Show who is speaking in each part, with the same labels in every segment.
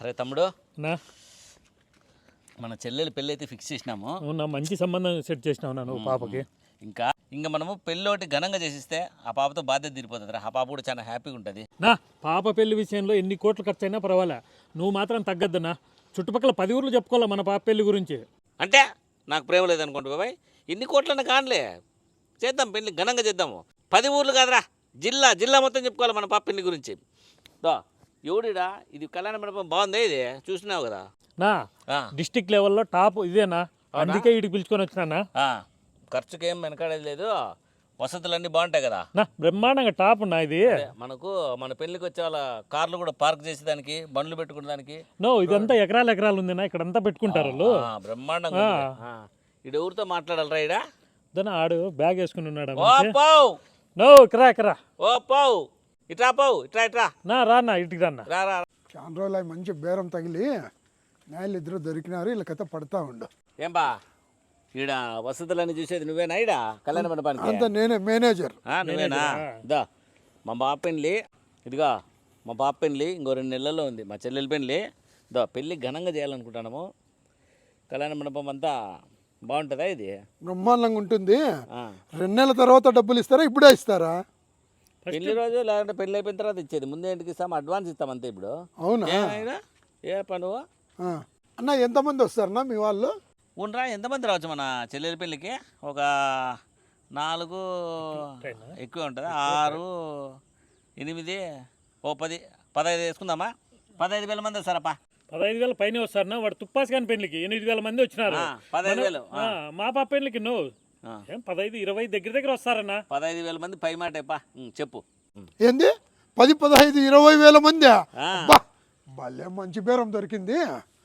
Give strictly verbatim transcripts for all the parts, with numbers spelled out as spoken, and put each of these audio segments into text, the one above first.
Speaker 1: అరే తమ్ముడు
Speaker 2: నా
Speaker 1: మన చెల్లెలు పెళ్ళి అయితే ఫిక్స్ చేసినాము.
Speaker 2: అవునా, మంచి సంబంధం సెట్ చేసినావు నువ్వు పాపకి.
Speaker 1: ఇంకా ఇంకా మనము పెళ్ళి ఒకటి ఘనంగా చేసిస్తే ఆ పాపతో బాధ్యత తీరిపోతుంది. ఆ పాప కూడా చాలా హ్యాపీగా ఉంటుంది.
Speaker 2: నా పాప పెళ్లి విషయంలో ఎన్ని కోట్లు ఖర్చు అయినా పర్వాలే, నువ్వు మాత్రం తగ్గద్దన్నా. చుట్టుపక్కల పది ఊర్లు చెప్పుకోవాలి మన పాప పెళ్లి గురించి.
Speaker 1: అంటే నాకు ప్రేమ లేదనుకోండి బాబాయ్, ఇన్ని కోట్లన్నా కానిలే, చేద్దాం పెళ్ళి ఘనంగా చేద్దాము. పది ఊర్లు కాదురా, జిల్లా జిల్లా మొత్తం చెప్పుకోవాలి మన పాప పెళ్లి గురించి. దో ఎవడిడా ఇది కళ్యాణ మండపం బాగుంది, ఇది చూసినావు కదా
Speaker 2: నా డిస్టిక్ లెవెల్లో టాప్ ఇదేనా, అందుకే వీటికి పిలుచుకొని వచ్చినా.
Speaker 1: ఖర్చుకి ఏం వెనకాడేది లేదు, వసతులన్నీ బాగుంటాయి కదా
Speaker 2: నా, బ్రహ్మాండంగా టాప్ ఉన్నా ఇది.
Speaker 1: మనకు మన పెళ్లికి వచ్చే వాళ్ళ కార్లు కూడా పార్క్ చేసేదానికి, బండ్లు పెట్టుకునే దానికి.
Speaker 2: నో ఇదంతా ఎకరాలు ఎకరాలు ఉందినా, ఇక్కడ అంతా పెట్టుకుంటారు వాళ్ళు.
Speaker 1: బ్రహ్మాండంగా. ఇడు ఎవరితో మాట్లాడాలరా ఇడా?
Speaker 2: దాని ఆడు బ్యాగ్ వేసుకుని ఉన్నాడు.
Speaker 1: ఓ పావు
Speaker 2: నో ఇకరా ఇకరా,
Speaker 1: ఓ పావు ఇట్రా, పావు ఇట్రా ఇట్రా,
Speaker 2: నా రానా ఇటుకి రానా.
Speaker 1: రా రా.
Speaker 3: చాలా రోజులు అవి మంచి బేరం తగిలి నాయలు ఇద్దరు దొరికినారు, వీళ్ళ కథ పడతా ఉండు.
Speaker 1: ఏం బా ఈడ వసతులన్నీ చూసేది నువ్వేనా? ఈడ కళ్యాణ మండపానికి
Speaker 3: అంత నేనే మేనేజర్.
Speaker 1: నువ్వేనా? దా మా బాప పెళ్ళి, ఇదిగా మా బాప పెళ్ళి ఇంకో రెండు నెలల్లో ఉంది. మా చెల్లెల పెళ్ళి. దా పెళ్ళి ఘనంగా చేయాలనుకుంటున్నాము. కళ్యాణ మండపం అంతా బాగుంటుందా? ఇది
Speaker 3: బ్రహ్మాండంగా ఉంటుంది. రెండు నెలల తర్వాత డబ్బులు ఇస్తారా, ఇప్పుడే ఇస్తారా?
Speaker 1: పెళ్లి రోజు లేదంటే పెళ్ళి అయిపోయిన తర్వాత ఇచ్చేది. ముందే ఇంటికి ఇస్తాం, అడ్వాన్స్ ఇస్తాం అంతే. ఇప్పుడు
Speaker 3: అవునా?
Speaker 1: ఏ పను
Speaker 3: అన్న ఎంతమంది వస్తారన్నా మీ వాళ్ళు?
Speaker 1: ఉండరా, ఎంతమంది రావచ్చు మన చెల్లెల పెళ్ళికి? ఒక నాలుగు ఎక్కువ ఉంటుంది, ఆరు ఎనిమిది ఓ పది పదహైదు వేసుకుందామా? పదహైదు వేల మంది వస్తారప్పా.
Speaker 2: పదహైదు వేల పైన వస్తారనా? వాడు తుప్పాసి కాని పెళ్లికి ఎనిమిది వేల మంది వచ్చినారు.
Speaker 1: పదహైదు వేలు
Speaker 2: మా పాప పెళ్లికి నువ్వు ఏం పదహైదు ఇరవై దగ్గర దగ్గర వస్తారన్నా.
Speaker 1: పదహైదు వేల మంది పై మాట చెప్పు.
Speaker 3: ఏంది పది పదహైదు ఇరవై వేల మంది? భలే మంచి బేరం దొరికింది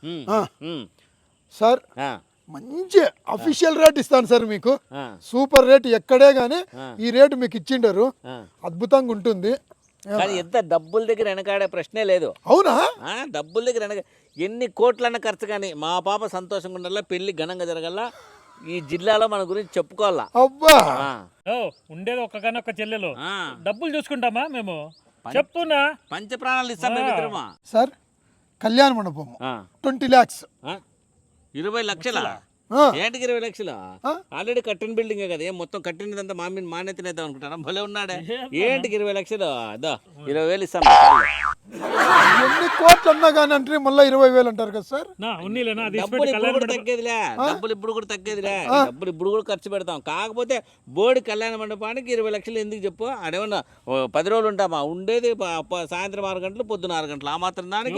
Speaker 3: సార్. మంచి అఫీషియల్ రేట్ ఇస్తాను సార్ మీకు, సూపర్ రేట్. ఎక్కడే గానీ ఈ రేటు మీకు ఇచ్చిండరు, అద్భుతంగా ఉంటుంది.
Speaker 1: కానీ ఎంత డబ్బుల దగ్గర వెనకాడే ప్రశ్నే లేదు.
Speaker 3: అవునా?
Speaker 1: డబ్బుల దగ్గర వెనక ఎన్ని కోట్లన్న ఖర్చు కానీ మా పాప సంతోషంగా ఉండాలా, పెళ్లి ఘనంగా జరగాల, ఈ జిల్లాలో మన గురించి చెప్పుకోవాలా.
Speaker 3: అబ్బా
Speaker 2: ఉండేది ఒక్కగానొక్క చెల్లెలు, డబ్బులు చూసుకుంటామా మేము? చెప్తున్నా
Speaker 1: పంచ ప్రాణాలు ఇస్తాం
Speaker 3: సార్. కళ్యాణ మండపం ట్వంటీ ల్యాక్స్
Speaker 1: ఇరవై లక్షల ఏంటికి ఇరవై లక్షలు? ఆల్రెడీ కట్టిన బిల్డింగే కదా, ఏం మొత్తం కట్టినదంతా మా మీద మానే తినేద్దాం అనుకుంటారా? భలే ఉన్నాడే. ఏంటికి ఇరవై లక్షలు? అదో ఇరవై వేలు ఇస్తాం.
Speaker 3: ఎన్ని కోట్లు అన్నా కానీ అంటే మళ్ళీ ఇరవై వేలు అంటారు కదా సార్.
Speaker 1: డబ్బులు ఇప్పుడు కూడా తగ్గేదిలే, డబ్బులు ఇప్పుడు కూడా తగ్గేదిలే, డబ్బులు ఇప్పుడు కూడా ఖర్చు పెడతాం. కాకపోతే బోర్డు కళ్యాణ మండపానికి ఇరవై లక్షలు ఎందుకు చెప్పు? అదేమన్నా పది రోజులు ఉంటామా? ఉండేది సాయంత్రం ఆరు గంటలు, పొద్దున ఆరు గంటలు. ఆ మాత్రం దానికి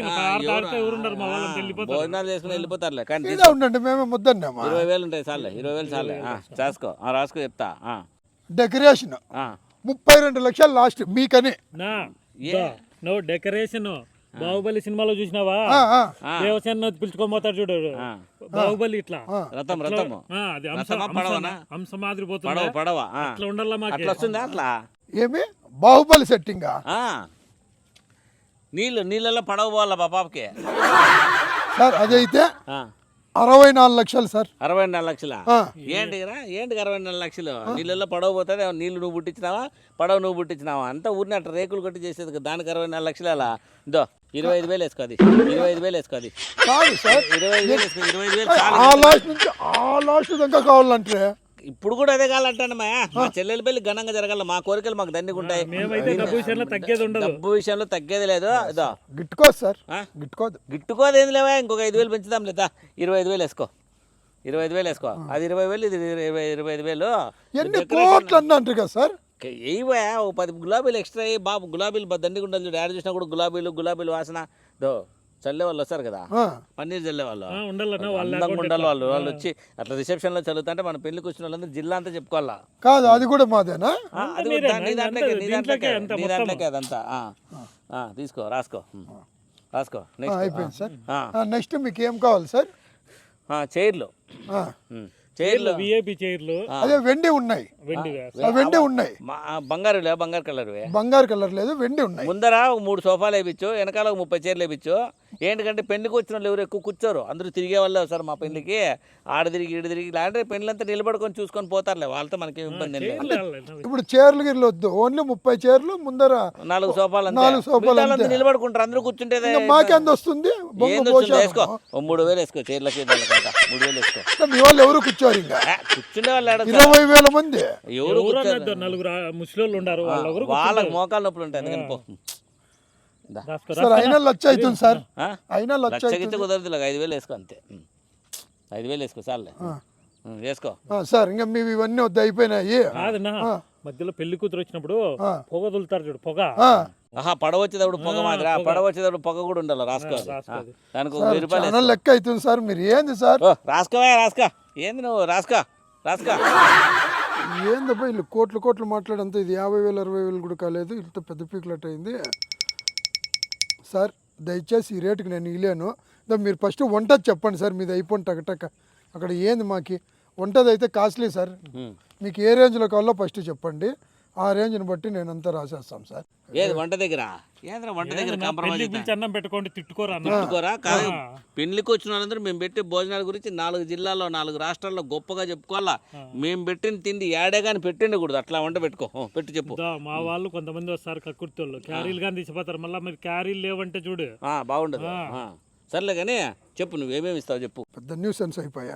Speaker 1: భోజనాలు చేసుకుని వెళ్ళిపోతారులే. కానీ
Speaker 3: ఉండండి, మేమే ముద్దన్నామా?
Speaker 1: ఇరవై వేలు ఉంటాయి చాలే, ఇరవై వేలు చాలే. రాసుకో రాసుకో చెప్తా.
Speaker 3: డెకరేషన్ ముప్పై రెండు లక్షలు లాస్ట్ మీకని.
Speaker 2: నువ్వు డెకరేషన్ బాహుబలి సినిమాలో చూసినావా? దేవసేన పిలుచుకోపోతాడు చూడు బాహుబలి, ఇట్లా
Speaker 1: రథం రథం
Speaker 2: హంస మాదిరి పోతుంది.
Speaker 1: పడవ
Speaker 2: అట్లా ఉండాలా మాకు?
Speaker 1: అట్లా వస్తుందా? అట్లా
Speaker 3: ఏమి బాహుబలి సెట్టింగ్?
Speaker 1: నీళ్ళు నీళ్ళలో పడవ పోవాలా మా పాపకి
Speaker 3: సార్. అదైతే అరవై నాలుగు లక్షలు సార్.
Speaker 1: అరవై నాలుగు లక్షల ఏంటిరా? ఏంటికి అరవై నాలుగు లక్షలు? నీళ్ళల్లో పడవ పోతుంది. నీళ్ళు నువ్వు పుట్టించినావా, పడవ నువ్వు పుట్టించినావా? అంతా ఊరిని అట్లా రేకులు కొట్టి చేసేది. దానికి అరవై నాలుగు లక్షలు అలా ఇదో ఇరవై ఐదు వేలు వేసుకోది, ఇరవై ఐదు వేలు వేసుకోది.
Speaker 3: కాదు సార్,
Speaker 1: ఇరవై ఐదు వేలు వేసుకో, ఇరవై ఐదు వేలు
Speaker 3: ఆ లాస్ట్ నుంచి ఆ లాస్ట్ దాకా కావాలంటే
Speaker 1: ఇప్పుడు కూడా అదే కావాలంటానమ్మా. మా చెల్లెల పెళ్లి ఘనంగా జరగాల, మా కోరికలు మాకు దండిగా ఉంటాయి. డబ్బు విషయంలో తగ్గేది లేదు. ఇదో
Speaker 3: గిట్టుకోదు సార్, గిట్టుకోదు.
Speaker 1: గిట్టుకోదు ఏం లేవా? ఇంకొక ఐదు వేలు పెంచుదాం లేదా? ఇరవై ఐదు వేలు వేసుకో, ఇరవై ఐదు వేలు వేసుకో. అది ఇరవై వేలు, ఇది ఇరవై ఇరవై ఐదు వేలు.
Speaker 3: ఎన్ని కోట్లు అన్నట్టు కదా సార్?
Speaker 1: ఏవా ఓ పది గులాబీలు ఎక్స్ట్రా అయ్యి బాబు, గులాబీలు దండిగా ఉండాలి చూడు. యాడ్ చూసినా కూడా గులాబీలు గులాబీలు వాసన. దో చల్లే వాళ్ళు వస్తారు కదా, పన్నీర్ చల్లే వాళ్ళు, అందంగా ఉండాలి వాళ్ళు. వాళ్ళు వచ్చి అట్లా రిసెప్షన్ లో చల్లుతుంటే మన పెళ్లికి వచ్చిన వాళ్ళందరూ జిల్లా అంతా చెప్పుకోవాలా.
Speaker 3: కాదు అది కూడా మాదేనా?
Speaker 1: అది నీ దాంట్లోకే, నీ దాంట్లోకే, నీ దాంట్లోకే అదంతా. తీసుకో రాసుకో రాసుకో.
Speaker 3: అయిపోయింది సార్. నెక్స్ట్ మీకు ఏం కావాలి సార్?
Speaker 1: చైర్లు చైర్లు
Speaker 2: విఐపి చైర్లు
Speaker 3: అదే వెండి ఉన్నాయి,
Speaker 2: వెండి
Speaker 3: ఆ వెండి ఉన్నాయి,
Speaker 1: మా- బంగారు లే బంగారు కలర్వే
Speaker 3: బంగారు కలర్ లేదు, వెండి ఉన్నాయి.
Speaker 1: ముందర ఒక మూడు సోఫాలు వేయించు, వెనకాల ఒక ముప్పై చీరలు వేయించు. ఏంటంటే పెళ్లికి వచ్చిన వాళ్ళు ఎవరు ఎక్కువ కూర్చోరు, అందరూ తిరిగే వాళ్ళే వస్తారు మా పెళ్లికి. ఆడ తిరిగి ఈడ తిరిగి ఇలాంటి పెళ్ళంతా నిలబడుకొని చూసుకొని పోతారులే, వాళ్ళతో మనకి ఇబ్బంది ఏం లేదు.
Speaker 3: ఇప్పుడు చీరలు గిర్లు వద్దు, ఓన్లీ ముప్పై చీరలు ముందర
Speaker 1: నాలుగు సోఫాలు అంతే.
Speaker 3: నాలుగు సోఫాలు
Speaker 1: మిగతా వాళ్ళంతా నిలబడుకుంటారు, అందరూ కూర్చుంటేదే
Speaker 3: మాకెంత వస్తుంది? బొంగు
Speaker 1: ఏంది వస్తుంది?
Speaker 3: పోషారం.
Speaker 1: వేసుకో ఓ మూడు వేలు వేసుకో చీరలకి దానికంతా మూడు వేలు వేసుకో.
Speaker 3: మీ వాళ్ళు ఎవరు కూర్చోరు ఇంకా,
Speaker 1: ఆ, కూర్చుండే వాళ్ళు ఏడ
Speaker 3: ఇరవై వేల మంది
Speaker 1: ఎవరు కూర్చోరు.
Speaker 2: ఎవరన్నా నలుగురు ముసలి ఉన్నారు వాళ్ళు
Speaker 1: వాళ్ళకి మోకాలు నొప్పులు ఉంటాయి అందుకని పో. దా.
Speaker 3: సార్ అయినా లక్ష అవుతుంది సార్,
Speaker 1: ఆ?
Speaker 3: అయినా లక్ష
Speaker 1: లక్షకిచ్చే కుదరదు, ఇలాగ ఐదు వేలు వేసుకో అంతే. ఉం. ఐదు వేలు వేసుకో చాలే. ఉం, వేసుకో.
Speaker 3: ఆ, సార్ ఇంకా మీవి ఇవన్నీ వద్ద అయిపోయినాయి.
Speaker 2: కాదన్నా మధ్యలో పెళ్లి కూతురు వచ్చినప్పుడు
Speaker 3: ఆ.
Speaker 2: పొగ వదులుతారు చూడు, పొగ
Speaker 3: ఆ,
Speaker 1: ఆహా పడవ వచ్చేటప్పుడు పొగ మాదిరా, పడవ వచ్చేటప్పుడు పొగ కూడా ఉండాలి, రాసుకోవాలి.
Speaker 2: రాసుకోవాలి.
Speaker 1: ఆ, దానికి ఒక వెయ్యి రూపాయలు
Speaker 3: చాలా లెక్క అవుతుంది సార్. మీరు ఏంది సార్,
Speaker 1: ఓ, రాసుకోవా రాసుకో. ఏంది నువ్వు రాసుకో రాసుకో.
Speaker 3: ఏందబ్బా వీళ్ళు కోట్లు కోట్లు మాట్లాడంత, ఇది యాభై వేలు అరవై వేలు కూడా కాలేదు, ఇంత పెద్ద పీకులట్ అయింది. సార్ దయచేసి ఈ రేటుకి నేను ఇలేను. దా మీరు ఫస్ట్ వంటది చెప్పండి సార్, మీది అయిపోయింది టకటక. అక్కడ ఏంది మాకి వంటది అయితే కాస్ట్లీ సార్,
Speaker 1: ఉం.
Speaker 3: మీకు ఏ రేంజ్లో కావాలో ఫస్ట్ చెప్పండి, ఆ రేంజ్ని బట్టి నేను అంతా రాసేస్తాం సార్.
Speaker 1: ఏది వంట దగ్గర ఏంద్రా వంట దగ్గర కాంప్రమైజ్
Speaker 2: పెళ్లి పిలిచి అన్నం పెట్టుకోండి, తిట్టుకోరా అన్న.
Speaker 1: పెట్టుకోరా కాదు. పెళ్లికి వచ్చిన వాళ్ళందరూ మేము పెట్టే భోజనాల గురించి నాలుగు జిల్లాల్లో నాలుగు రాష్ట్రాల్లో గొప్పగా చెప్పుకోవాలా. మేము పెట్టిన తిండి ఏడే కానీ పెట్టండి కూడదు, అట్లా వంట పెట్టుకో. ఓ, పెట్టు చెప్పు.
Speaker 2: దా, మా వాళ్ళు కొంతమంది వస్తారు కక్కుర్తోళ్ళు, క్యారీలు కానీ తీసిపోతారు, మళ్ళీ మీరు క్యారీలు లేవంటే చూడు.
Speaker 1: ఆ, బాగుండదు. ఆ, సర్లే కానీ చెప్పు నువ్వేమేమి ఇస్తావు చెప్పు.
Speaker 3: పెద్ద న్యూసెన్స్ అయిపోయా.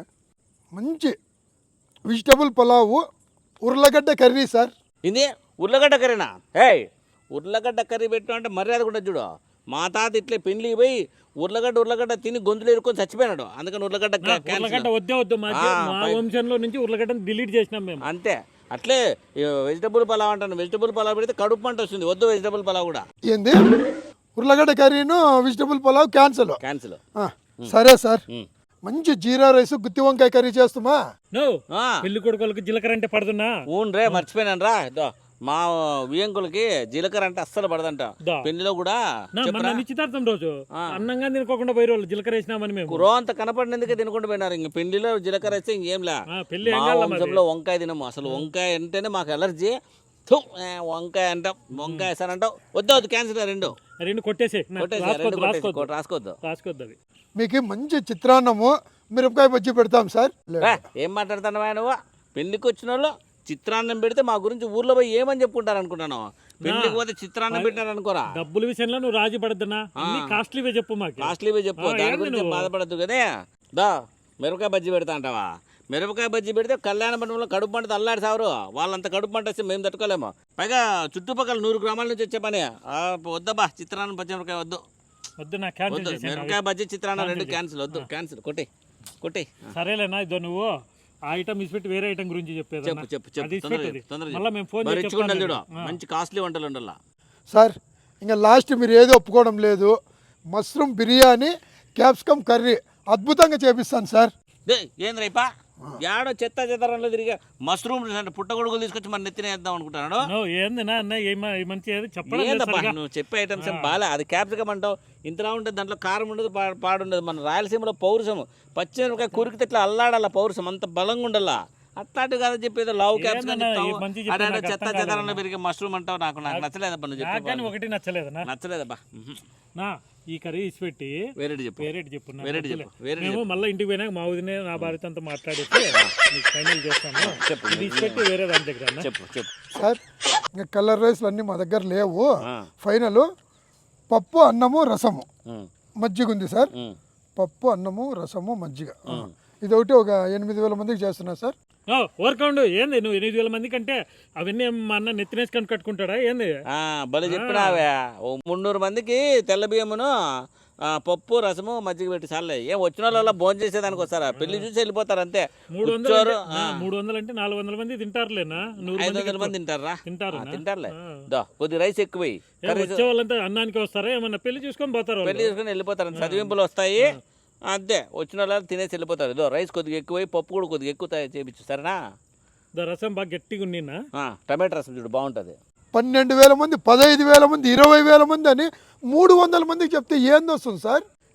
Speaker 3: మంచి వెజిటబుల్ పులావు, ఉర్లగడ్డ కర్రీ సార్.
Speaker 1: ఇది ఉర్లగడ్డ కర్రీనా? ఏయ్ ఉర్లగడ్డ కర్రీ పెట్టు అంటే మర్యాద కూడా చూడు. మా తాత ఇట్లే పెళ్లికి పోయి ఉర్లగడ్డ ఉర్లగడ్డ తిని గొంతులు ఇరుకొని చచ్చిపోయినాడు, అందుకని ఉర్లగడ్డ కా-
Speaker 2: ఉర్లగడ్డ
Speaker 1: క్యాన్సిల్.
Speaker 2: వద్దే వద్దు, మా మా వంశంలో నుంచి ఉర్లగడ్డను డిలీట్ చేసినాం మేము.
Speaker 1: అంతే అట్లే వెజిటబుల్ పలావ్ అంటాను. వెజిటబుల్ పలావ్ పెడితే కడుపు పంట వస్తుంది, వద్దు వెజిటబుల్ పలావ్ కూడా
Speaker 3: ఏంది ఉర్లగడ్డ కర్రీను వెజిటబుల్ పులావ్ క్యాన్సల్.
Speaker 1: క్యాన్సిల్.
Speaker 3: సరే సార్, మంచి జీరా రైస్ గుత్తి వంకాయ కర్రీ చేస్తామా?
Speaker 2: నో పెళ్లి కొడుకులకు జీలకర్ర అంటే పడుతున్నా.
Speaker 1: ఊన్ రే మర్చిపోయినాను రా. ఇదో మా వియంకులకి జీలకర్ర అంటే అస్సలు పడదంట.
Speaker 2: దా.
Speaker 1: పెళ్లిలో కూడా
Speaker 2: నా మొన్న నిశ్చితార్థం రోజు అన్నంగా తినుకోకుండా పోయి రోజు జీలకర్ర వేసినామని మేము.
Speaker 1: కురో అంత కనపడినందుకే తినకుండా పోయినారు. ఇంక పెళ్లిలో జీలకర్ర వేస్తే ఇంకేంలా.
Speaker 2: ఆ, పెళ్లి ఏం
Speaker 1: మా
Speaker 2: కావాలా మరి?
Speaker 1: వంశంలో వంకాయ తినము అసలు. వంకాయ అంటేనే మాకు ఎలర్జీ. థు, ఏ, వంకాయ అంటాం, వంకాయ వేస్తాను అంటావు. వద్దు వద్దు క్యాన్సిల్ రెండు
Speaker 2: రెండు కొట్టేసి
Speaker 1: కొట్టేసి రెండు
Speaker 2: రాసుకోవద్దు
Speaker 1: కొట్టేసి
Speaker 2: రాసుకోవద్దు
Speaker 1: కొట్టు, రాసుకోవద్దు.
Speaker 2: రాసుకోవద్దు అవి.
Speaker 3: మీకు మంచి చిత్రాన్నము మిరపకాయ బజ్జీ పెడతాం సార్.
Speaker 1: రా, ఏం మాట్లాడుతున్నావా నువ్వు? పెళ్లికి వచ్చిన వాళ్ళు చిత్రాన్నం పెడితే మా గురించి ఊర్లో పోయి ఏమని చెప్పుకుంటారు అనుకుంటాను. పెళ్లికి పోతే చిత్రాన్నం పెట్టారు అనుకోరా.
Speaker 2: డబ్బుల విషయంలో నువ్వు రాజీ పడద్దనా, అన్ని కాస్ట్లీవే చెప్పు మాకు.
Speaker 1: కాస్ట్లీవే చెప్పు,
Speaker 2: ఆ,
Speaker 1: దాని
Speaker 2: ఏంది
Speaker 1: గురించి
Speaker 2: నువ్వు?
Speaker 1: బాధపడద్దు కదే. దా మిరపకాయ బజ్జీ పెడతా అంటావా? మిరపకాయ బజ్జీ పెడితే కళ్యాణ మండపంలో కడుపు పంట అల్లాడి సావరు. వాళ్ళంత కడుపు పంట వస్తే మేము తట్టుకోలేము. పైగా చుట్టుపక్కల నూరు గ్రామాల నుంచి వచ్చే పని. ఆ, వద్దబ్బా చిత్రాన్నం పచ్చి మిరపకాయ వద్దు
Speaker 2: వద్దు, నా క్యాన్సిల్
Speaker 1: వద్దు.
Speaker 2: చేసేయ్.
Speaker 1: మిరపకాయ బజ్జీ చిత్రాన్నం రెండు క్యాన్సిల్. వద్దు క్యాన్సిల్. కొట్టి కొట్టి.
Speaker 2: సరేలేనా, ఇదో నువ్వు ఆ ఐటమ్ ఇసిపెట్టి వేరే ఐటమ్ గురించి చెప్పేది
Speaker 1: చెప్పు చెప్పు చెప్పు
Speaker 2: అది
Speaker 1: తొందరగా
Speaker 2: ఇసిపెట్టేది.
Speaker 1: చెప్పు, తొందరగా
Speaker 2: మళ్ళీ మేము ఫోన్
Speaker 1: చెప్పు. మరి
Speaker 2: చేసి
Speaker 1: ఇచ్చుకుంటాను చూడు,
Speaker 2: చెప్తాను.
Speaker 1: మంచి కాస్ట్లీ వంటలు ఉండాల.
Speaker 3: సార్ ఇంకా లాస్ట్ మీరు ఏది ఒప్పుకోవడం లేదు, మష్రూమ్ బిర్యానీ క్యాప్సికమ్ కర్రీ అద్భుతంగా చేపిస్తాను సార్.
Speaker 1: దే ఏంద్ర ఇప్ప యాడో చెత్త చెత్తరంలో తిరిగి మష్రూమ్ అంటే పుట్టగొడుగులు తీసుకొచ్చి మన నెత్తిన వేద్దాం అనుకుంటాను.
Speaker 2: నువ్వు ఏంది నా అన్న ఏమ ఈ మంచి ఏది చెప్పడం లేదు
Speaker 1: ఏందబ్బా
Speaker 2: సరిగా.
Speaker 1: నువ్వు చెప్పే ఐటమ్స్ ఏం బాలే. అది క్యాప్సికమ్ అంటావు, ఇంతలా ఉంటుంది, దాంట్లో కారం ఉండదు, పా- పాడుండదు. మన రాయలసీమలో పౌరుషం పచ్చిమిరపకాయ కురికితే ఇట్లా అల్లాడాల పౌరుషం, అంత బలంగా ఉండాలా. అట్లాంటి కాదు చెప్పేది లావు క్యాప్సికమ్
Speaker 2: ఏందన్నా
Speaker 1: చెప్తావు.
Speaker 2: ఈ మంచి చెప్పు,
Speaker 1: అదే
Speaker 2: నాకు
Speaker 1: చెత్త
Speaker 2: అర్థం
Speaker 1: చెత్తరంలో పెరిగే మష్రూమ్ అంటావు. నాకు నాకు నచ్చలేదబ్బా నువ్వు
Speaker 2: నాకు కానీ
Speaker 1: చెప్పే
Speaker 2: ఒకటి నచ్చలేదనా.
Speaker 1: నచ్చలేదబ్బా. ఉహు.
Speaker 2: నా ఈ కర్రీ ఇసిపెట్టి
Speaker 1: వేరేటి చెప్పు
Speaker 2: వేరేటి చెప్పు నాకు
Speaker 1: వేరేటి
Speaker 2: నచ్చలే.
Speaker 1: చెప్పు వేరేటి
Speaker 2: మేము మళ్ళీ ఇంటికి పోయినాక మా వదినే నా భార్యతో అంతా మాట్లాడేసి నీకు ఫైనల్ చేస్తాను.
Speaker 1: చెప్పు.
Speaker 2: ఇది ఇసిపెట్టి వేరే దాని దగ్గర అన్న.
Speaker 1: చెప్పు చెప్పు.
Speaker 3: సార్ ఇంకా కలర్ రైస్లు అన్నీ మా దగ్గర లేవు.
Speaker 1: ఆ.
Speaker 3: ఫైనల్ పప్పు అన్నము రసము
Speaker 1: ఉమ్,
Speaker 3: మజ్జిగ ఉంది సార్.
Speaker 1: ఉమ్.
Speaker 3: పప్పు అన్నము రసము మజ్జిగ ఇది ఒకటి ఒక ఎనిమిది వేల మందికి చేస్తున్నా సార్.
Speaker 2: ఓ వర్కౌండ్ ఏంది నువ్వు ఎనిమిది వేల మంది కంటే అవన్నీ మా అన్న నెత్తినేసుకొని కట్టుకుంటాడా ఏంది?
Speaker 1: ఆ, భలే చెప్పినావే. ఓ మున్నూరు మందికి తెల్ల బియ్యమును ఆ, పప్పు రసము మజ్జిగ పెట్టి చాలే. ఏం వచ్చిన వాళ్ళ భోజనం చేసేదానికి వస్తారా? పెళ్లి చూసి వెళ్ళిపోతారు అంతే.
Speaker 2: మూడు వందలు
Speaker 1: కూర్చోరు.
Speaker 2: అంటే- నా మూడు వందలు అంటే నాలుగు వందల మంది తింటారులేనా? నూరు
Speaker 1: ఐదు
Speaker 2: మందికి
Speaker 1: వందల మంది తింటారా?
Speaker 2: తింటారు
Speaker 1: ఆ, తింటారులే. దా కొద్ది రైస్ ఎక్కువ వెయ్యి.
Speaker 2: వచ్చే వాళ్ళంతా అన్నానికి వస్తారా ఏమన్నా పెళ్లి చూసుకొని పోతారు వాళ్ళు?
Speaker 1: పెళ్లి చేసుకుని వెళ్ళిపోతారు. చదివింపులు వస్తాయి అంతే. వచ్చిన వాళ్ళు తినేసి వెళ్ళిపోతారు. ఇదో రైస్ కొద్దిగా ఎక్కువ, పప్పు కూడా కొద్దిగా ఎక్కువ తయారు చేయించు సరేనా?
Speaker 2: దా రసం బాగా గట్టిగా ఉన్నినా
Speaker 1: ఆ, టమాటా రసం చూడు బాగుంటుంది.
Speaker 3: పన్నెండు వేల మంది పదహైదు వేల మంది ఇరవై వేల మంది అని మూడు వందల మందికి చెప్తే ఏంది వస్తుంది సార్?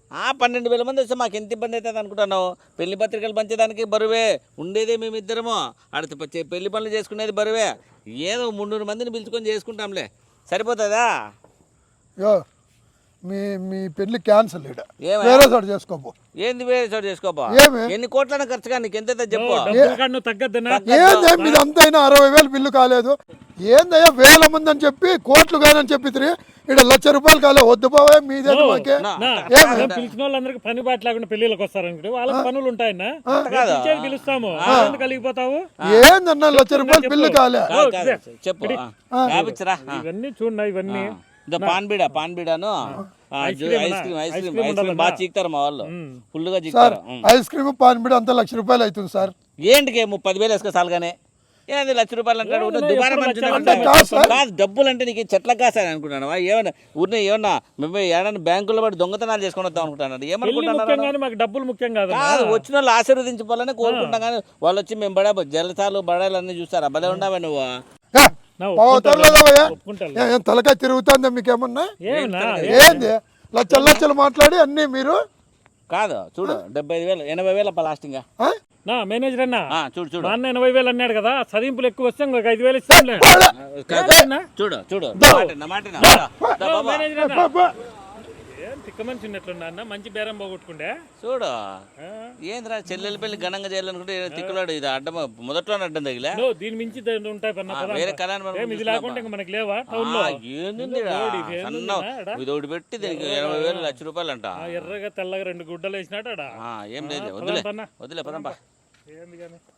Speaker 1: ఆ పన్నెండు వేల మంది వస్తే మాకు ఎంత ఇబ్బంది అవుతుంది అనుకుంటున్నావు? పెళ్లి పత్రికలు పంచేదానికి బరువే, ఉండేదే మేమిద్దరము, అడితే పచ్చే పెళ్లి పనులు చేసుకునేది బరువే. ఏదో మున్నూరు మందిని పిలుచుకొని చేసుకుంటాంలే, సరిపోతుందా?
Speaker 3: యో మీ మీ పెళ్లి క్యాన్సల్ ఇడ
Speaker 1: ఏమయ్యా?
Speaker 3: వేరే చోట చేసుకోపో.
Speaker 1: ఏంది వేరే చోటు చేసుకోపా?
Speaker 3: ఏమి
Speaker 1: ఎన్ని కోట్లన ఖర్చుగా నీకు ఎంత చెప్పు.
Speaker 2: డబ్బుల కాడ నువ్వు తగ్గద్దనా?
Speaker 3: ఏందే మీది అంతా అయినా అరవై వేలు బిల్లు కాలేదు. ఏందయ్యా వేల మంది అని చెప్పి కోట్లు కాదని చెప్పి ఇక్కడ లక్ష రూపాయలు కాలే. వద్దు పోవే మీదే మాకే.
Speaker 1: నా,
Speaker 2: నా,
Speaker 3: ఏమి?
Speaker 2: మేము పిలిచిన వాళ్ళందరికీ పని బాట లేకుండా పెళ్లిళ్ళకి వస్తారనుకుంటే వాళ్ళకి పనులు ఉంటాయన్నా,
Speaker 1: కాదు.
Speaker 2: పిలిచేది పిలుస్తాము, ఎందుకు కలిగిపోతావు?
Speaker 3: ఏందన్నా లక్ష రూపాయలు బిల్లు కాలే.
Speaker 1: కాదు, కాదు, చెప్పు. రాపిచ్చరా?
Speaker 2: ఇవన్నీ చూడండి, ఇవన్నీ
Speaker 1: ఇదో పాన్ బీడ పాన్ బీడాను ice cream ice cream ice cream బాగా చీకుతారు మా వాళ్ళు, ఫుల్గా
Speaker 3: సార్
Speaker 1: చీకుతారు.
Speaker 3: ఐస్ క్రీమ్ పాన్బిడ అంతా లక్ష రూపాయలు అవుతుంది సార్.
Speaker 1: ఏంటికి ముప్పది వేలు వేసుకో సాలుగానే. ఏంది లక్ష రూపాయలు అంటాడు? ఊరినే దుబారా
Speaker 2: ఎప్పుడు
Speaker 1: మనిషి
Speaker 2: లక్షలు
Speaker 1: అంటే
Speaker 3: అంటే కాదు సార్.
Speaker 1: కాదు, డబ్బులు అంటే నీకు చెట్లకు కాసాను అనుకుంటాను. ఏమన్నా ఊరినే ఏమన్నా మేము ఏమన్నా బ్యాంకుల్లో పడి దొంగతనాలు చేసుకొని వద్దాం అనుకుంటున్నాను.
Speaker 2: పెళ్లి
Speaker 1: ఏమనుకుంటున్నారు?
Speaker 2: ముఖ్యం కానీ మాకు డబ్బులు ముఖ్యం కాదు.
Speaker 1: కాదు, వచ్చిన వాళ్ళు ఆశీర్వదించుకోవాలని కోరుకుంటాం. కానీ వాళ్ళు వచ్చి మేము బడా జలసాలు బడాలు అన్నీ చూస్తారు. భలే ఉండవా నువ్వు?
Speaker 3: ఏ, పోతర్లేదవయ్యా?
Speaker 2: ఒప్పుకుంటాను.
Speaker 3: ఏ, ఏం తలకాయ తిరుగుతుందా మీకేమన్నా?
Speaker 2: ఏమన్నా
Speaker 3: ఏంది లచ్చలు లచ్చలు మాట్లాడి అన్నీ మీరు
Speaker 1: కాదు చూడు, డెబ్బై ఐదు వేలు ఎనభై వేల లాస్టింగ్.
Speaker 3: ఆ?
Speaker 2: నా మేనేజర్ అన్నా,
Speaker 1: చూడు చూడు
Speaker 2: మా అన్న ఎనభై వేలు అన్నాడు కదా, చదింపులు ఎక్కువ వస్తే ఇంకొక ఐదు వేలు ఇస్తాంలే.
Speaker 1: చూడు చూడు నా మాట, నా మాట నా. దా, దా బాబా.
Speaker 2: మేనేజర్ అన్నా,
Speaker 3: బా, బా.
Speaker 2: ఏం తిక్క మనిషి ఉన్నట్లున్నా అన్న, మంచి బేరం పోగొట్టుకుంటే.
Speaker 1: చూడు
Speaker 2: ఆ?
Speaker 1: ఏంద్రా చెల్లెలి పెళ్లి ఘనంగా చేయాలనుకుంటే ఏదో తిక్కులాడు. ఇది అడ్డం మొదట్లోనే అడ్డం తగిలా.
Speaker 2: నో, దీని మించి ద- ఉంటాయి పన్న
Speaker 1: ఆ,
Speaker 2: పదాలు.
Speaker 1: వేరే కళ్యాణ మండపం
Speaker 2: ఏం ఇది లేకుండా ఇంకా మనకి లేవా టౌన్ లో?
Speaker 1: ఏంది
Speaker 2: రోడ్ ఇది, ఏంది
Speaker 1: సన్న
Speaker 2: ఉందా?
Speaker 1: ఇది ఒకటి పెట్టి దీనికి ఎనభై వేలు లక్ష రూపాయలు అంట.
Speaker 2: ఆ, ఎర్రగా తెల్లగా రెండు గుడ్డలు వేసినాడు ఆడ.
Speaker 1: ఆ, ఏం లేదు, వదిలే
Speaker 2: పదం పన్న.
Speaker 1: వదిలే పదంపా.
Speaker 2: ఏంది కానీ